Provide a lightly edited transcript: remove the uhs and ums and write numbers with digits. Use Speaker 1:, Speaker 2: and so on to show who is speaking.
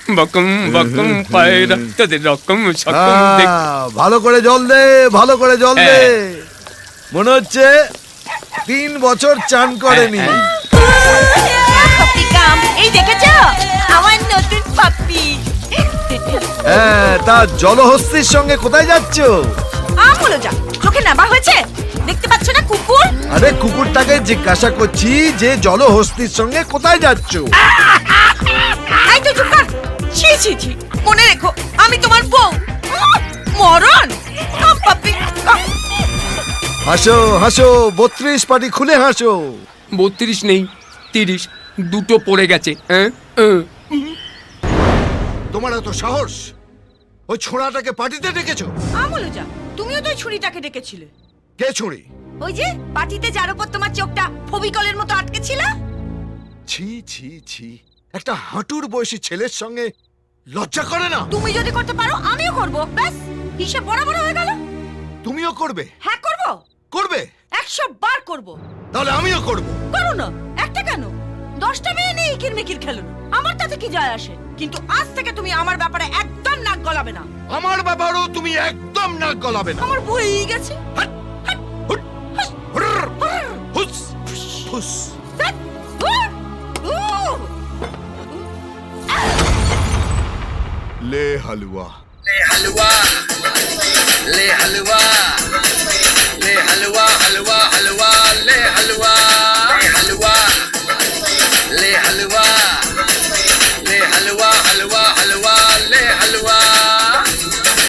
Speaker 1: বকম বকম পায়রা তোদের রকম সকম দেখ।
Speaker 2: ভালো করে জল দে, ভালো করে জল দে। মনে হচ্ছে 3 বছর চান করেনি।
Speaker 3: পাপ্পি কাম, এই দেখেছো আমার নতুন পাপ্পি।
Speaker 2: হ্যাঁ, তা জলহস্তির সঙ্গে কোথায় যাচ্ছ?
Speaker 3: আমগুলো যা, চোখে নেবা হয়েছে, দেখতে পাচ্ছ না কুকুর?
Speaker 2: আরে কুকুরটাকে জিজ্ঞাসা করছি যে জলহস্তির সঙ্গে কোথায় যাচ্ছ?
Speaker 3: এই তো চুপ কর। ছি ছি ছি, মনে রেখো আমি তোমার বউ। মরণ। Come puppy come.
Speaker 2: হাসো হাসো, 32 পাটি খুলে হাসো।
Speaker 1: 32 নেই 30, দুটো পড়ে গেছে।
Speaker 2: তোমার এত সাহস, ওই ছোড়াটাকে পার্টিতে ডেকেছো?
Speaker 3: আমগুলো যা, তুমিও তো ওই ছুরিটাকে ডেকেছিলে।
Speaker 2: কে ছুরি?
Speaker 3: ওই যে পার্টিতে যার উপর তোমার চোখটা ফবিকলের মতো আটকে ছিল।
Speaker 2: ছি ছি ছি, একটা হাঁটুর বয়সী ছেলের সঙ্গে লজ্জা করে না?
Speaker 3: তুমি যদি করতে পারো আমিও করব, ব্যাস হিসেব বরাবর হয়ে গেল।
Speaker 2: তুমিও করবে?
Speaker 3: হ্যাঁ করব,
Speaker 2: করবে?
Speaker 3: 100 বার করব।
Speaker 2: তাহলে আমিও করব।
Speaker 3: করো না, একটা কেন 10টা মেয়ে নিয়ে ইকির মিকির খেলো না, আমার তাতে কি যায় আসে। কিন্তু আজ থেকে তুমি আমার ব্যাপারে একদম নাক গলাবে না।
Speaker 2: আমার ব্যাপারেও তুমি একদম নাক গলাবে না।
Speaker 3: আমার বই গেছে।
Speaker 2: হাট, হুট, হুরর, হুস, হুস।
Speaker 3: ধ্যাৎ, হুর, উহ।
Speaker 2: ले हलवा
Speaker 4: ले हलवा ले हलवा